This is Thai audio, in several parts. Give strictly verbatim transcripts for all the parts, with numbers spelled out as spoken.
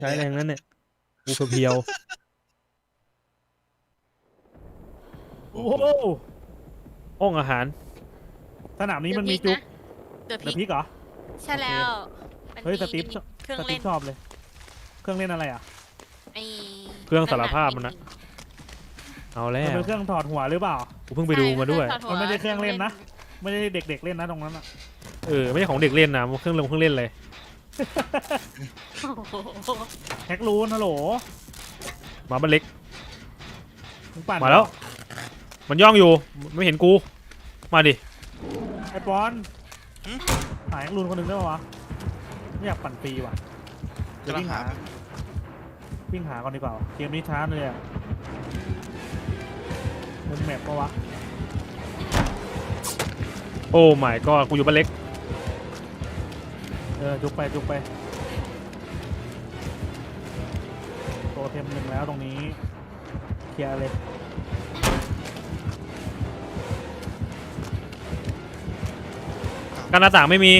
ใช้แรงนั้นเนี่ยกูเพียวโอ้โหอ้องอาหารสนามนี้มันมีจุ๊กเดอะเดอะพิพิกกเหรอใช่แล้วเฮ้ยสตีฟเครื่องสตีเล่ฟนชอบเลยเครื่องเล่นอะไรอ่ะไอ้เครื่องสารภาพมันนะ เอาแล้มันวเป็นเครื่องถอดหัวหรือเปล่ากูเพิ่งไปดูมาด้วยมันไม่ใช่เครื่องเล่นนะ ไม่ได้เด็กๆเล่นนะตรงนั้นอ่ะเออไม่ใช่ของเด็กเล่นนะมันเครื่องลงเครื่องเล่นเลยแฮกรูนฮัลโหลมาบ้านเล็กมึงปั่นมาแล้ว มันย่องอยู่ไม่เห็นกูมาดิไอ้ปอนหาแฮกรูนคนหนึ่งได้ปะวะไม่อยากปั่นฟรีว่ะเดี๋ยววิ่งหาวิ่งหาก่อนดีกว่าเกมนี้ช้าเลยอ่ะมุมแมปปะวะโอ้ my god กูอยู่บ้านเล็กเออจุกไปจุกไปโตเทมหนึ่งแล้วตรงนี้เคลียร์เลยกันหน้าต่างไม่มี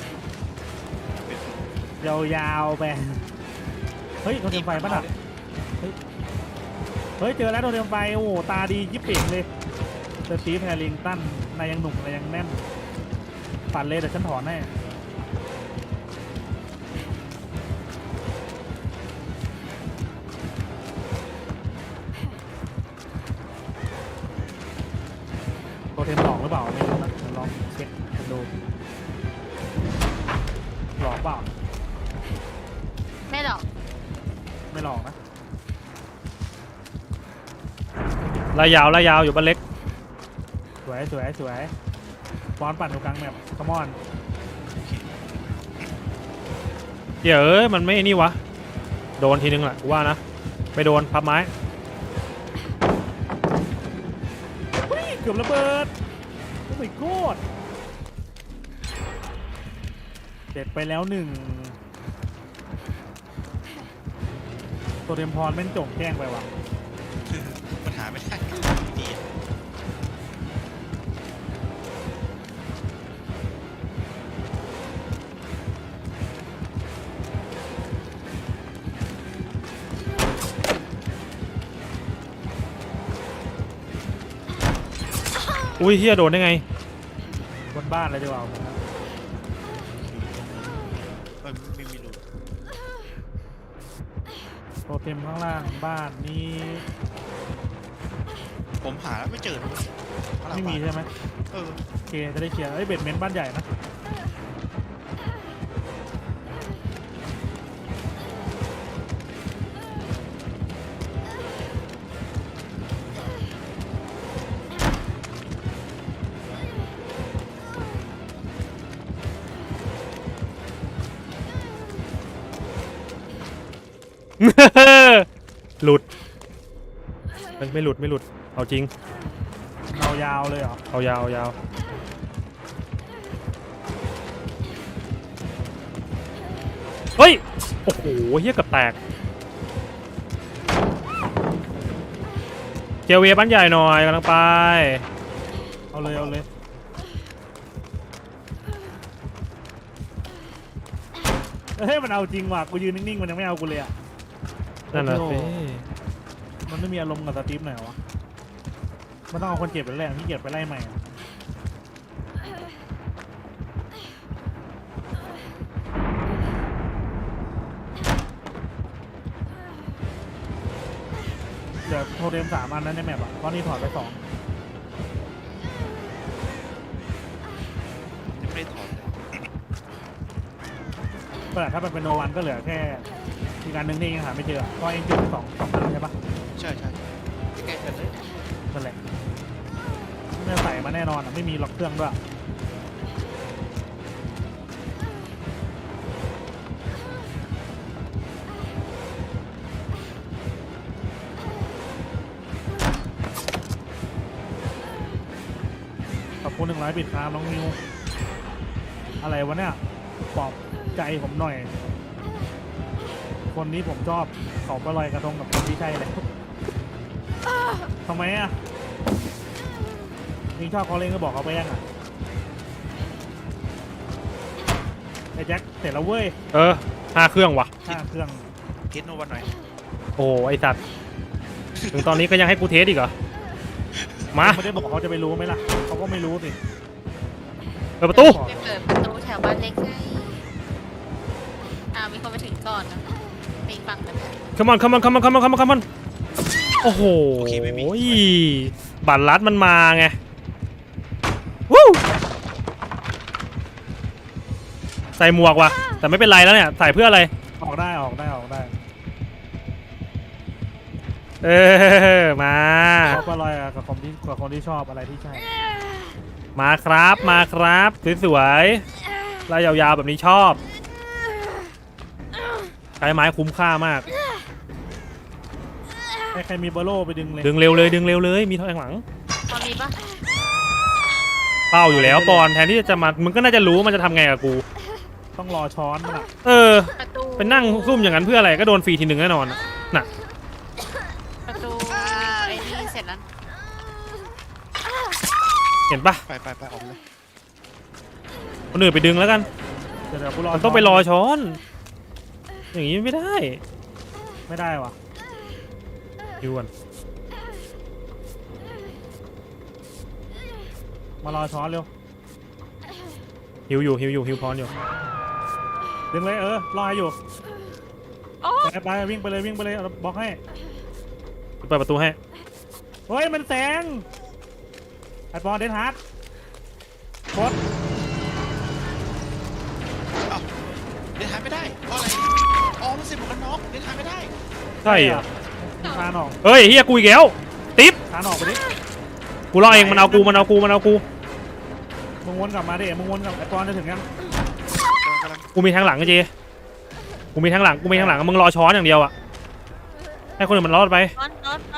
ยาวๆไปเฮ้ยโทรเทมไฟป่ะน่ะเฮ้ยเฮ้ยเจอแล้วโทรเทมไฟโอ้โหตาดียิบเป่งเลยสตีฟแฮร์ริงตันนายยังหนุ่มนายยังแน่นปั่นเลยเดี๋ยวฉันถอนให้โทรเทมหลอกหรือเปล่าไม่รู้นะเดี๋ยวลองเช็คกันดูหลอกเปล่าไม่หรอกไม่หลอกนะลายยาวลายยาวอยู่บ้านเล็กสวยสวยสวยบอลปั่นอยู่กลางแมปคอมอนเดี๋ยวเอ้ยมันไม่นี่วะโดนทีนึงแหละกูว่านะไม่โดนพับไม้เฮ้ยเกือบระเบิดโอ้ my god เด็ดไปแล้วหนึ่งตัวเทมพรแม่งจงแจ้งไปว่ะมันหาไม่ได้ดีอุ้ยเฮียโดนได้ไงบนบ้านเลยดีกว่าผมมันไม่มีรูตัวเทมข้างล่างบ้านนี้ผมหาแล้วไม่เจอเลยไม่มีใช่ไหมเออโอเคจะได้เคลียร์ไอ้ยเบ็ดเมนต์บ้านใหญ่นะหลุดมันไม่หลุดไม่หลุดเอาจริงเรายาวเลยเหรอเอายาวเอายาวเฮ้ยโอ้โหเฮียเกับแตกเจลเวบ้านใหญ่หน่อยกำลังไปเอาเลยเอาเลยเฮ้ยมันเอาจริงว่ะกูยืนนิ่งๆมันยังไม่เอากูเลยอ่ะนั่นแหละโอ้สิโห มันไม่มีอารมณ์กับสตีฟหน่อยวะมันต้องเอาคนเจ็บไปแรกที่เก็บไปไล่ใหม่อะเดี๋ยวโทรเดมสามอันนั้นในแมปอ่ะเพราะนี่ถอดไปสองยังไม่ได้ถอดเลยแต่ถ้ามันเป็นโนวันก็เหลือแค่อีกอันหนึ่งที่ยังหาไม่เจอเพราะเองจุดสองสองอันใช่ปะใช่ใช่ใกล้ๆกันเลยนั่นแหละไม่ใส่มาแน่นอนอ่ะไม่มีล็อกเครื่องด้วยขอบคุณหนึ่งร้อยบิตครับน้องมิวอะไรวะเนี่ยปลอบใจผมหน่อย คนนี้ผมชอบเขาไปลอยกระทงกับคนที่ใช่เลยทำไมอ่ะยิงชอบเขาเล่นก็บอกเขาไปยังอ่ะไอ้แจ็คเสร็จแล้วเว้ยเออห้าเครื่องว่ะห้าเครื่องทสโนวันหน่อยโอ้ไอสัตว์ถึงตอนนี้ก็ยังให้กูเทสอีกเหรอมาไม่ได้บอกเขาจะไปรู้ไหมล่ะเขาก็ไม่รู้สิเปิดประตูไปเปิดประตูแถวบ้านเล็กให้อ่ามีคนไปถึงก่อนนะไปอีกฝั่งหนึง come on come on come on come on come on come on โอ้โหบัตรลัดมันมาไงวู้ใส่หมวกว่ะแต่ไม่เป็นไรแล้วเนี่ยใส่เพื่ออะไรออกได้ออกได้ออกได้เออมาเขาก็ลอยกับคนที่กับคนที่ชอบอะไรที่ใช่มาครับมาครับสวยๆลายยาวๆแบบนี้ชอบใช้ไม้คุ้มค่ามากใครใครมีเบอร์โลไปดึงเลยดึงเร็วเลยดึงเร็วเลยมีทางหลังตอนนี้ปะเป้าอยู่แล้วปอนแทนที่จะมามึงก็น่าจะรู้ว่ามันจะทำไงกับกูต้องรอช้อนมันอ่ะเออประตูเป็นนั่งซุ่มอย่างนั้นเพื่ออะไรก็โดนฟรีทีหนึ่งแน่นอนน่ะประตูไอ้นี่เสร็จแล้วเห็นปะไปไปไปออกเลยคนอื่นไปดึงแล้วกันเดี๋ยวเดี๋ยวกูรอมันต้องไปรอช้อน อย่างนี้ไม่ได้ไม่ได้วะดูก่อนมารอช้อนเร็วฮิวอยู่ฮิวอยู่ฮิวพรอยู่ดึงเลยเออรอให้อยู่โอ้ไปไปวิ่งไปเลยวิ่งไปเลยเอาบล็อกให้เปิดประตูให้เฮ้ยมันแสงไอปอนเดนฮาร์ดกดเอ้าเดินทางไม่ได้เพราะอะไรอ๋อมันเสียหมวกกันน็อกเดินทางไม่ได้ใช่เหรอคานออกเฮ้ยเฮียกูอีกแล้วติ๊บคานออกไปดิกูรอเองมันเอากูมันเอากูมันเอากูมึงวนกลับมาดิมึงวนกลับไอปอนจะถึงยังกำลังกูมีทางหลังไอ้เจกูมีทางหลังกูมีทางหลังมึงรอช้อนอย่างเดียวอะให้คนอื่นมันรอดไปนอนนอนนอน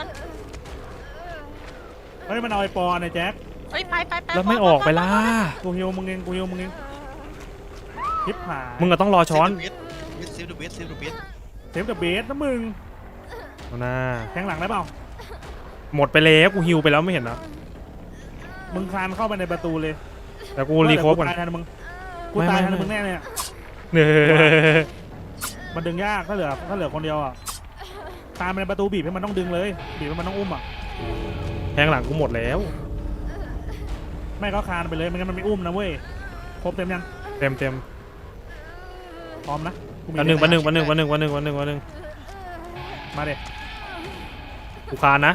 เฮ้ยมันเอาไอปอนไอแจ็คเฮ้ยไปไปไปแล้วไม่ออกไปล่ะกูฮิวมึงเองกูฮิวมึงเองทิปหายมึงก็ต้องรอช้อนเซฟเดอะเบสเซฟเดอะเบสเซฟเดอะเบสนะมึงเอาหน้าแทงหลังได้เปล่าหมดไปแล้วกูฮิวไปแล้วไม่เห็นนะมึงคานเข้าไปในประตูเลยแต่กูรีโคฟก่อนตายแทนมึงกูไม่ตายไม่แทนไม่มึงแน่เลยอะเนอมันดึงยากถ้าเหลือถ้าเหลือคนเดียวอ่ะคานไปในประตูบีบให้มันต้องดึงเลยบีบให้มันต้องอุ้มอ่ะแทงหลังกูหมดแล้วไม่ก็คานไปเลยไม่งั้นมันไม่อุ้มนะเว้ยครบเต็มยังเต็มเต็มพร้อมนะกูมีวันหนึ่งวันหนึ่งวันหนึ่งวันหนึ่งวันหนึ่งวันหนึ่งวันหนึ่งมาเด็กูคานนะ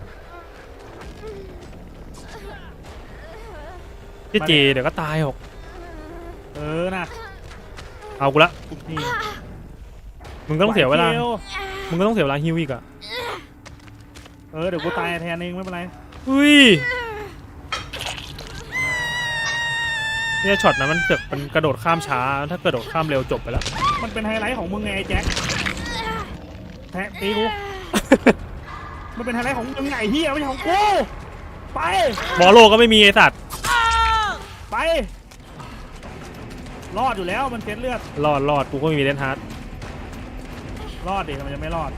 พี่เจเดี๋ยวก็ตายหรอกเออนะเอากูละนี่มึงก็ต้องเสียเวลาไหดียมึงก็ต้องเสียเวลาฮิวอีกอะเออเดี๋ยวกูตายแทนเองไม่เป็นไรอุ้ยเนี่ยช็อตนะมันเกิดมันกระโดดข้ามช้าถ้ากระโดดข้ามเร็วจบไปแล้วมันเป็นไฮไลท์ของมึงไงไอ้แจ็คแทะตีกู มันเป็นไฮไลท์ของมึงไงเฮียไม่ใช่ของกูไปบอลโลก็ไม่มีไอสัตว์ไปรอดอยู่แล้วมันเซ็ตเลือดรอดรอดกูก็มีเลนฮาร์ดรอดดิมันจะไม่รอด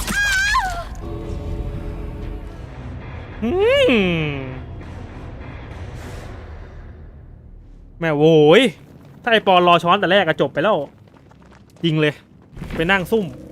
อืมแม่โว้ยถ้าไอปอนรอช้อนแต่แรกก็จบไปแล้ว จริงเลย ไปนั่งซุ่ม